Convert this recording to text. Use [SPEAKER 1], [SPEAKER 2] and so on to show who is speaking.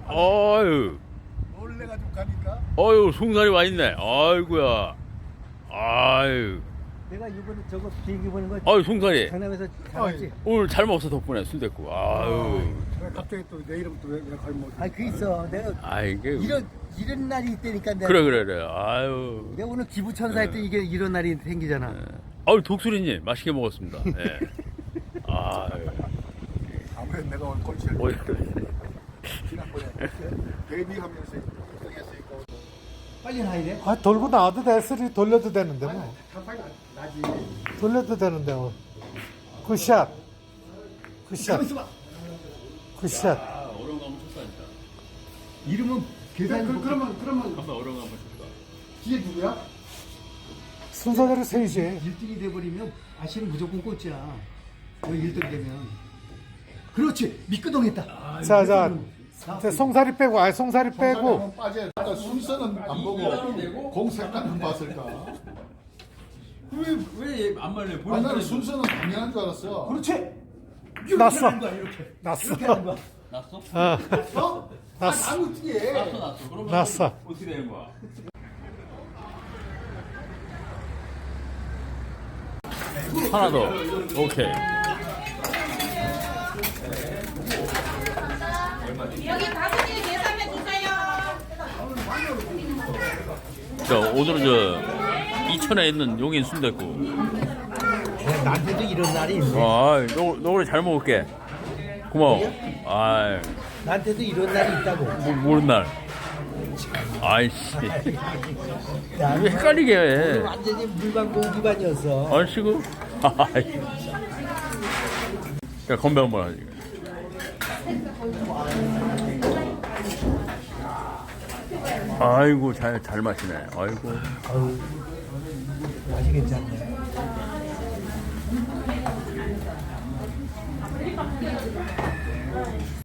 [SPEAKER 1] 아유,
[SPEAKER 2] 놀래가지고 가니까.
[SPEAKER 1] 아유, 송사리 와 있네. 아이고야. 아유,
[SPEAKER 3] 내가 이번에 저거 비행기 보는 거
[SPEAKER 1] 아유, 송사리.
[SPEAKER 3] 강남에서 잡았지.
[SPEAKER 1] 오늘 잘 먹었어 덕분에 순댓국. 아유,
[SPEAKER 2] 왜 갑자기 또 내 이름 또왜 거의 뭐.
[SPEAKER 3] 아, 그 있어. 내가
[SPEAKER 1] 아 이게
[SPEAKER 3] 이런 날이 있다니까 내가.
[SPEAKER 1] 그래. 아유,
[SPEAKER 3] 내가 오늘 기부천사 했더니 이게 이런 날이 생기잖아.
[SPEAKER 1] 아유 독수리님 맛있게 먹었습니다. 예. 아유,
[SPEAKER 2] 아무래도 내가 오늘 꼴찌를
[SPEAKER 1] 뭐,
[SPEAKER 2] 지난번에 데뷔하면서 1등했으니까.
[SPEAKER 3] 빨리 나야 돼.
[SPEAKER 4] 아, 돌고 나와도 돼. 스리 돌려도 되는데 뭐.
[SPEAKER 2] 한판이 나지.
[SPEAKER 4] 돌려도 되는데 뭐. 굿샷. 굿샷. 굿샷.
[SPEAKER 1] 아, 어려운 거 한번 쳤다 진짜.
[SPEAKER 3] 이름은 계산.
[SPEAKER 2] 그러면
[SPEAKER 1] 한번 어려운 거 한번 쳤다.
[SPEAKER 2] 뒤에 누구야?
[SPEAKER 4] 순서대로 세이지.
[SPEAKER 3] 1등이 돼버리면 아시는 무조건 꼴찌야. 너 1등 되면. 그렇지. 미끄덩했다.
[SPEAKER 4] 자, 자, 송사리 빼고, 송사리 빼고.
[SPEAKER 2] 빠져. 그러니까 순서는 안 보고 공 색깔만 봤을까.
[SPEAKER 1] 왜안 말려?
[SPEAKER 2] 아니 나는 순서는 당연한 줄 알았어.
[SPEAKER 3] 그렇지.
[SPEAKER 4] 났어.
[SPEAKER 3] 하는 거야, 이렇게.
[SPEAKER 4] 났어.
[SPEAKER 3] 이렇게 하는 거야.
[SPEAKER 1] 났어?
[SPEAKER 2] 어?
[SPEAKER 4] 났어.
[SPEAKER 2] 아니 어떻게 해?
[SPEAKER 1] 났어. 그러면
[SPEAKER 4] 났어.
[SPEAKER 1] 어떻게 되는 거야? 하나 더. 오케이.
[SPEAKER 5] 여기 가수님 계산해 주세요.
[SPEAKER 1] 자, 오늘은 저 이천에 있는 용인 순댓국.
[SPEAKER 3] 나한테도 이런 날이 있네.
[SPEAKER 1] 아, 너 오늘 잘 먹을게. 고마워. 아,
[SPEAKER 3] 나한테도 이런 날이 있다고.
[SPEAKER 1] 모르는 날. 아이씨.
[SPEAKER 3] 야,
[SPEAKER 1] 왜 헷갈리게 해?
[SPEAKER 3] 완전히 물광고 기반이었어.
[SPEAKER 1] 얼씨구. 아이. 자, 건배 한번 하지. 아이고, 잘 마시네. 아이고.
[SPEAKER 3] 맛이 괜찮네.